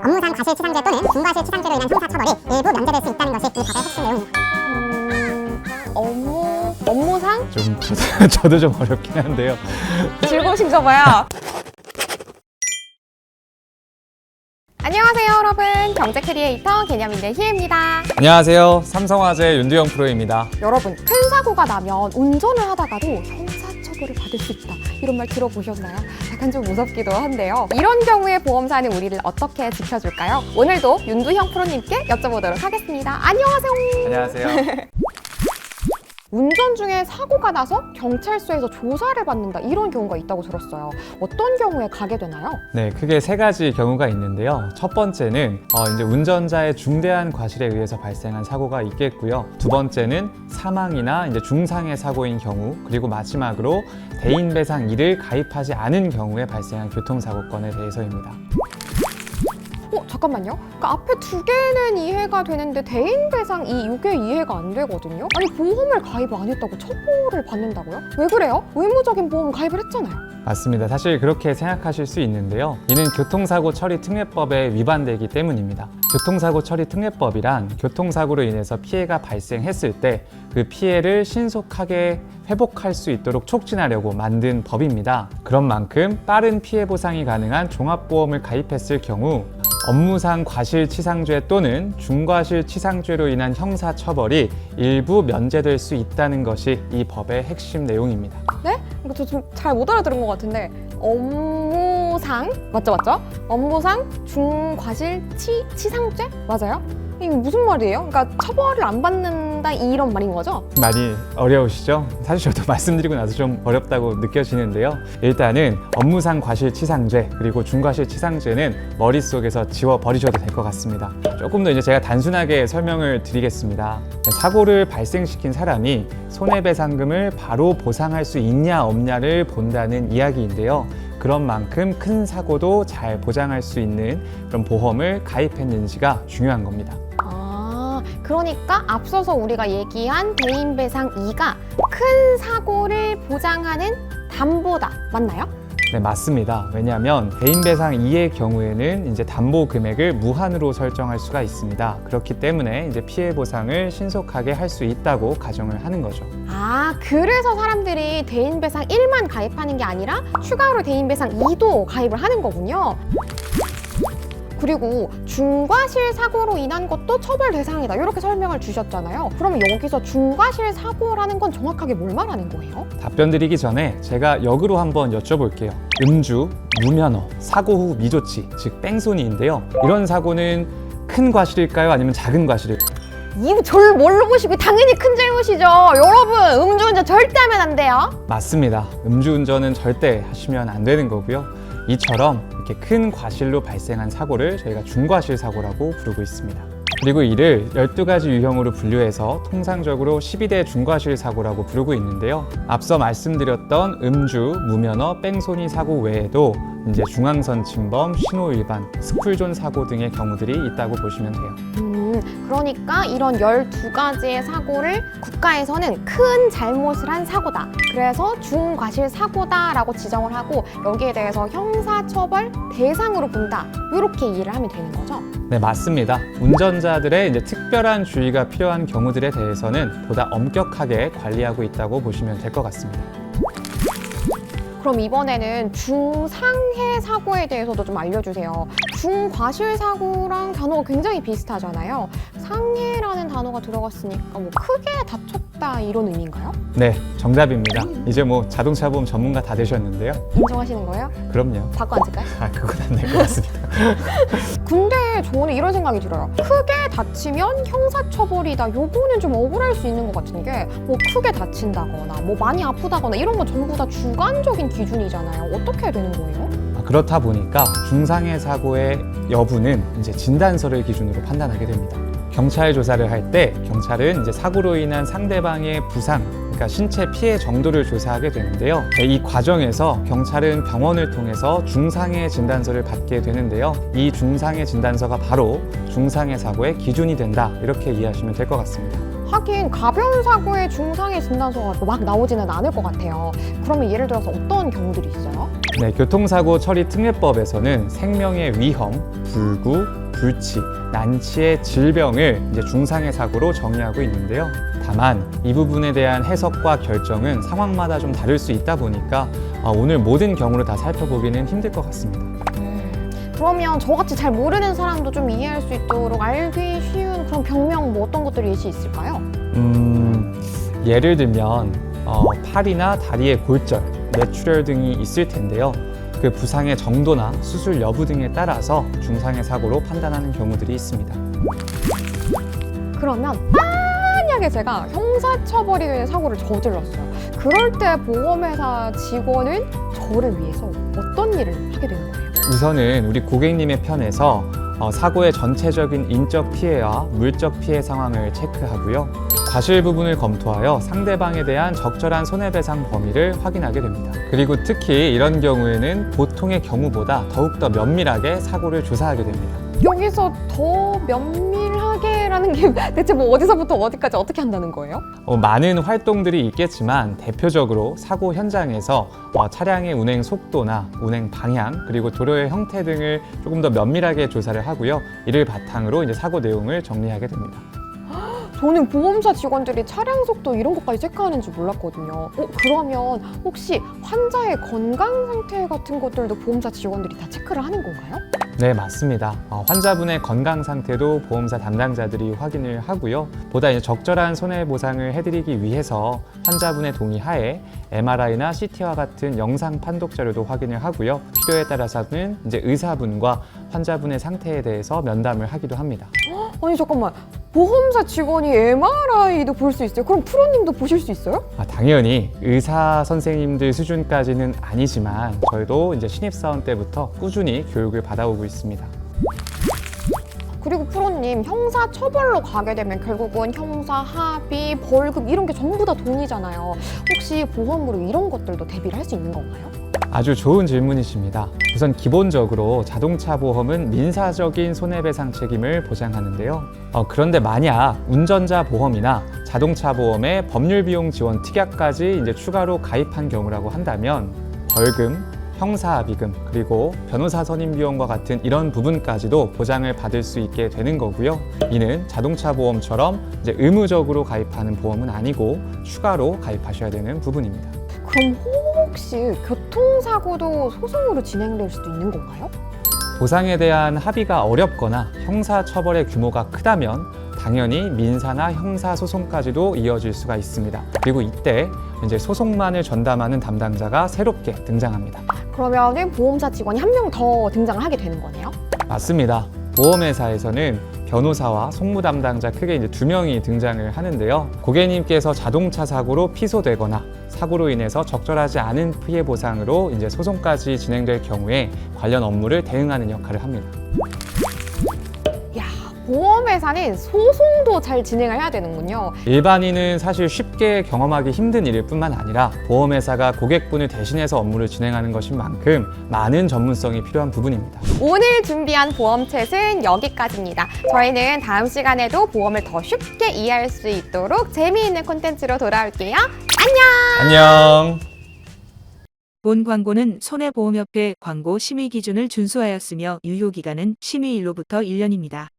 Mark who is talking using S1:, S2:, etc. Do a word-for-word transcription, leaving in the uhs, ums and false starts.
S1: 업무상 과실치상죄 또는 중과실치상죄로 인한 형사처벌이 일부 면제될 수 있다는 것이 이 법의 핵심 내용입니다.
S2: 음, 업무, 업무상?
S3: 좀 저도, 저도 좀 어렵긴 한데요.
S2: 즐거우신가 봐요. 안녕하세요 여러분, 경제 크리에이터 개념인의 희애입니다.
S3: 안녕하세요. 삼성화재 윤두영 프로입니다.
S2: 여러분, 큰 사고가 나면 운전을 하다가도 형사처벌을 받을 수 있다, 이런 말 들어보셨나요? 약간 좀 무섭기도 한데요. 이런 경우에 보험사는 우리를 어떻게 지켜줄까요? 오늘도 윤두형 프로님께 여쭤보도록 하겠습니다. 안녕하세요.
S3: 안녕하세요.
S2: 운전 중에 사고가 나서 경찰서에서 조사를 받는다, 이런 경우가 있다고 들었어요. 어떤 경우에 가게 되나요?
S3: 네, 크게 세 가지 경우가 있는데요. 첫 번째는 어, 이제 운전자의 중대한 과실에 의해서 발생한 사고가 있겠고요. 두 번째는 사망이나 이제 중상해 사고인 경우, 그리고 마지막으로 대인배상 이를 가입하지 않은 경우에 발생한 교통사고건에 대해서입니다.
S2: 어, 잠깐만요. 그러니까 앞에 두 개는 이해가 되는데 대인배상 이 이게 이해가 안 되거든요. 아니, 보험을 가입 안 했다고 처벌을 받는다고요? 왜 그래요? 의무적인 보험 가입을 했잖아요.
S3: 맞습니다. 사실 그렇게 생각하실 수 있는데요. 이는 교통사고 처리 특례법에 위반되기 때문입니다. 교통사고 처리 특례법이란 교통사고로 인해서 피해가 발생했을 때 그 피해를 신속하게 회복할 수 있도록 촉진하려고 만든 법입니다. 그런 만큼 빠른 피해 보상이 가능한 종합보험을 가입했을 경우 업무상 과실치상죄 또는 중과실치상죄로 인한 형사처벌이 일부 면제될 수 있다는 것이 이 법의 핵심 내용입니다.
S2: 네? 이거 저 좀 잘 못 알아들은 것 같은데, 업무상 맞죠 맞죠? 업무상 중과실치상죄 맞아요? 이게 무슨 말이에요? 그러니까 처벌을 안 받는다, 이런 말인 거죠?
S3: 많이 어려우시죠? 사실 저도 말씀드리고 나서 좀 어렵다고 느껴지는데요. 일단은 업무상 과실치상죄 그리고 중과실치상죄는 머릿속에서 지워버리셔도 될 것 같습니다. 조금 더 이제 제가 단순하게 설명을 드리겠습니다. 사고를 발생시킨 사람이 손해배상금을 바로 보상할 수 있냐 없냐를 본다는 이야기인데요. 그런 만큼 큰 사고도 잘 보장할 수 있는 그런 보험을 가입했는지가 중요한 겁니다.
S2: 아, 그러니까 앞서서 우리가 얘기한 대인배상 이가 큰 사고를 보장하는 담보다, 맞나요?
S3: 네, 맞습니다. 왜냐하면 대인배상 이의 경우에는 이제 담보 금액을 무한으로 설정할 수가 있습니다. 그렇기 때문에 이제 피해 보상을 신속하게 할 수 있다고 가정을 하는 거죠.
S2: 아, 그래서 사람들이 대인배상 일만 가입하는 게 아니라 추가로 대인배상 이도 가입을 하는 거군요. 그리고 중과실 사고로 인한 것도 처벌 대상이다, 이렇게 설명을 주셨잖아요. 그러면 여기서 중과실 사고라는 건 정확하게 뭘 말하는 거예요?
S3: 답변 드리기 전에 제가 역으로 한번 여쭤볼게요. 음주, 무면허, 사고 후 미조치, 즉 뺑소니인데요. 이런 사고는 큰 과실일까요? 아니면 작은 과실일까요?
S2: 이거 저를 뭘로 보시고, 당연히 큰 잘못이죠. 여러분, 음주운전 절대 하면 안 돼요.
S3: 맞습니다. 음주운전은 절대 하시면 안 되는 거고요. 이처럼 이렇게 큰 과실로 발생한 사고를 저희가 중과실 사고라고 부르고 있습니다. 그리고 이를 열두 가지 유형으로 분류해서 통상적으로 십이 대 중과실 사고라고 부르고 있는데요. 앞서 말씀드렸던 음주, 무면허, 뺑소니 사고 외에도 이제 중앙선 침범, 신호 위반, 스쿨존 사고 등의 경우들이 있다고 보시면 돼요.
S2: 음, 그러니까 이런 열두 가지의 사고를 국가에서는 큰 잘못을 한 사고다, 그래서 중과실 사고다라고 지정을 하고 여기에 대해서 형사처벌 대상으로 본다, 이렇게 이해를 하면 되는 거죠?
S3: 네, 맞습니다. 운전자들의 이제 특별한 주의가 필요한 경우들에 대해서는 보다 엄격하게 관리하고 있다고 보시면 될 것 같습니다.
S2: 그럼 이번에는 중상해 사고에 대해서도 좀 알려주세요. 중과실 사고랑 단어가 굉장히 비슷하잖아요. 상해라는 단어가 들어갔으니까 뭐 크게 다쳤다, 이런 의미인가요?
S3: 네, 정답입니다. 이제 뭐 자동차 보험 전문가 다 되셨는데요.
S2: 인정하시는 거예요?
S3: 그럼요.
S2: 바꿔 앉을까요?
S3: 아, 그건 안 될 것 같습니다.
S2: 근데 저는 이런 생각이 들어요. 크게 다치면 형사처벌이다, 요거는 좀 억울할 수 있는 것 같은 게, 뭐 크게 다친다거나 뭐 많이 아프다거나 이런 건 전부 다 주관적인 기준이잖아요. 어떻게 해야 되는 거예요?
S3: 그렇다 보니까 중상해 사고의 여부는 이제 진단서를 기준으로 판단하게 됩니다. 경찰 조사를 할 때 경찰은 이제 사고로 인한 상대방의 부상, 그러니까 신체 피해 정도를 조사하게 되는데요. 이 과정에서 경찰은 병원을 통해서 중상해 진단서를 받게 되는데요. 이 중상해 진단서가 바로 중상해 사고의 기준이 된다, 이렇게 이해하시면 될 것 같습니다.
S2: 하긴 가벼운 사고에 중상해 진단서가 막 나오지는 않을 것 같아요. 그러면 예를 들어서 어떤 경우들이 있어요?
S3: 네, 교통사고 처리 특례법에서는 생명의 위험, 불구, 불치, 난치의 질병을 이제 중상해 사고로 정의하고 있는데요. 다만 이 부분에 대한 해석과 결정은 상황마다 좀 다를 수 있다 보니까 오늘 모든 경우를 다 살펴보기는 힘들 것 같습니다.
S2: 그러면 저같이 잘 모르는 사람도 좀 이해할 수 있도록 알기 쉬운 그런 병명 뭐 어떤 것들이 예시 있을까요?
S3: 음, 예를 들면 어, 팔이나 다리의 골절, 뇌출혈 등이 있을 텐데요. 그 부상의 정도나 수술 여부 등에 따라서 중상해 사고로 판단하는 경우들이 있습니다.
S2: 그러면 만약에 제가 형사처벌이 되는 사고를 저질렀어요. 그럴 때 보험회사 직원은 저를 위해서 어떤 일을 하게 되는 거예요?
S3: 우선은 우리 고객님의 편에서 어, 사고의 전체적인 인적 피해와 물적 피해 상황을 체크하고요. 과실 부분을 검토하여 상대방에 대한 적절한 손해배상 범위를 확인하게 됩니다. 그리고 특히 이런 경우에는 보통의 경우보다 더욱더 면밀하게 사고를 조사하게 됩니다.
S2: 여기서 더 면밀하게라는 게 대체 뭐 어디서부터 어디까지 어떻게 한다는 거예요?
S3: 어, 많은 활동들이 있겠지만 대표적으로 사고 현장에서 어, 차량의 운행 속도나 운행 방향 그리고 도로의 형태 등을 조금 더 면밀하게 조사를 하고요. 이를 바탕으로 이제 사고 내용을 정리하게 됩니다.
S2: 저는 보험사 직원들이 차량 속도 이런 것까지 체크하는 줄 몰랐거든요. 어, 그러면 혹시 환자의 건강 상태 같은 것들도 보험사 직원들이 다 체크를 하는 건가요?
S3: 네, 맞습니다. 어, 환자분의 건강 상태도 보험사 담당자들이 확인을 하고요. 보다 이제 적절한 손해보상을 해드리기 위해서 환자분의 동의 하에 엠알아이나 씨티와 같은 영상 판독 자료도 확인을 하고요. 필요에 따라서는 이제 의사분과 환자분의 상태에 대해서 면담을 하기도 합니다.
S2: 아니 잠깐만, 보험사 직원이 엠알아이도 볼 수 있어요? 그럼 프로님도 보실 수 있어요?
S3: 아, 당연히 의사 선생님들 수준까지는 아니지만 저희도 이제 신입사원 때부터 꾸준히 교육을 받아오고 있습니다.
S2: 그리고 프로님, 형사 처벌로 가게 되면 결국은 형사 합의, 벌금 이런 게 전부 다 돈이잖아요. 혹시 보험으로 이런 것들도 대비를 할 수 있는 건가요?
S3: 아주 좋은 질문이십니다. 우선 기본적으로 자동차 보험은 민사적인 손해배상 책임을 보장하는데요. 어, 그런데 만약 운전자 보험이나 자동차 보험에 법률 비용 지원 특약까지 이제 추가로 가입한 경우라고 한다면 벌금, 형사합의금, 그리고 변호사 선임 비용과 같은 이런 부분까지도 보장을 받을 수 있게 되는 거고요. 이는 자동차 보험처럼 이제 의무적으로 가입하는 보험은 아니고 추가로 가입하셔야 되는 부분입니다.
S2: 그럼 혹시 교통사고도 소송으로 진행될 수도 있는 건가요?
S3: 보상에 대한 합의가 어렵거나 형사처벌의 규모가 크다면 당연히 민사나 형사 소송까지도 이어질 수가 있습니다. 그리고 이때 이제 소송만을 전담하는 담당자가 새롭게 등장합니다.
S2: 그러면 보험사 직원이 한 명 더 등장을 하게 되는 거네요?
S3: 맞습니다. 보험회사에서는 변호사와 송무 담당자 크게 이제 두 명이 등장을 하는데요. 고객님께서 자동차 사고로 피소되거나 사고로 인해서 적절하지 않은 피해 보상으로 이제 소송까지 진행될 경우에 관련 업무를 대응하는 역할을 합니다.
S2: 야, 보험회사는 소송도 잘 진행을 해야 되는군요.
S3: 일반인은 사실 쉽게 경험하기 힘든 일일 뿐만 아니라 보험회사가 고객분을 대신해서 업무를 진행하는 것인 만큼 많은 전문성이 필요한 부분입니다.
S2: 오늘 준비한 보험챗은 여기까지입니다. 저희는 다음 시간에도 보험을 더 쉽게 이해할 수 있도록 재미있는 콘텐츠로 돌아올게요. 안녕!
S3: 안녕!
S4: 본 광고는 손해보험협회 광고 심의 기준을 준수하였으며 유효기간은 심의일로부터 일 년입니다.